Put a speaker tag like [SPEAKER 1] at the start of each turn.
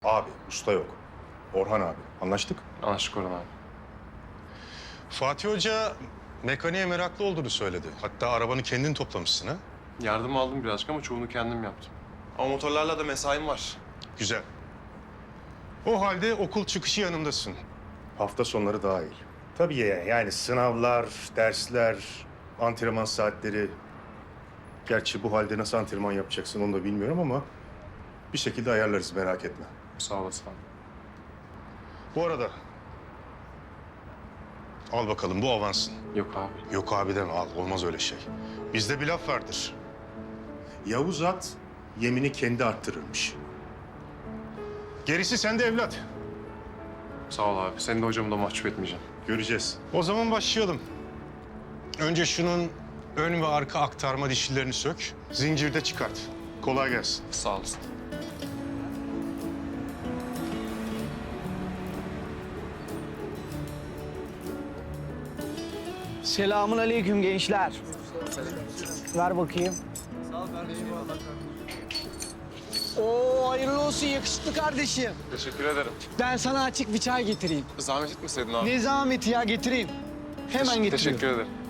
[SPEAKER 1] Abi, usta yok. Orhan abi. Anlaştık.
[SPEAKER 2] Anlaştık Orhan abi.
[SPEAKER 1] Fatih Hoca mekaniğe meraklı olduğunu söyledi. Hatta arabanı kendin toplamışsın ha.
[SPEAKER 2] Yardım aldım birazcık ama çoğunu kendim yaptım. Ama motorlarla da mesaim var.
[SPEAKER 1] Güzel. O halde okul çıkışı yanımdasın. Hafta sonları dahil. Tabii yani sınavlar, dersler, antrenman saatleri. Gerçi bu halde nasıl antrenman yapacaksın onu da bilmiyorum ama bir şekilde ayarlarız, merak etme.
[SPEAKER 2] Sağ olasın abi.
[SPEAKER 1] Bu arada al bakalım, bu avansın.
[SPEAKER 2] Yok abi.
[SPEAKER 1] Yok abi deme, al, olmaz öyle şey. Bizde bir laf vardır. Yavuz at yemini kendi arttırırmış. Gerisi sende evlat.
[SPEAKER 2] Sağ ol abi. Seni de hocamı da mahcup etmeyeceğim.
[SPEAKER 1] Göreceğiz. O zaman başlayalım. Önce şunun ön ve arka aktarma dişlilerini sök. Zincirde çıkart. Kolay gelsin.
[SPEAKER 2] Sağ olasın.
[SPEAKER 3] Selamun aleyküm gençler. Ver bakayım. Oo, hayırlı olsun yakışıklı kardeşim.
[SPEAKER 2] Teşekkür ederim.
[SPEAKER 3] Ben sana açık bir çay getireyim.
[SPEAKER 2] Zahmet etmeseydin abi.
[SPEAKER 3] Ne zahmeti ya, getireyim. Hemen getiriyorum.
[SPEAKER 2] Teşekkür ederim.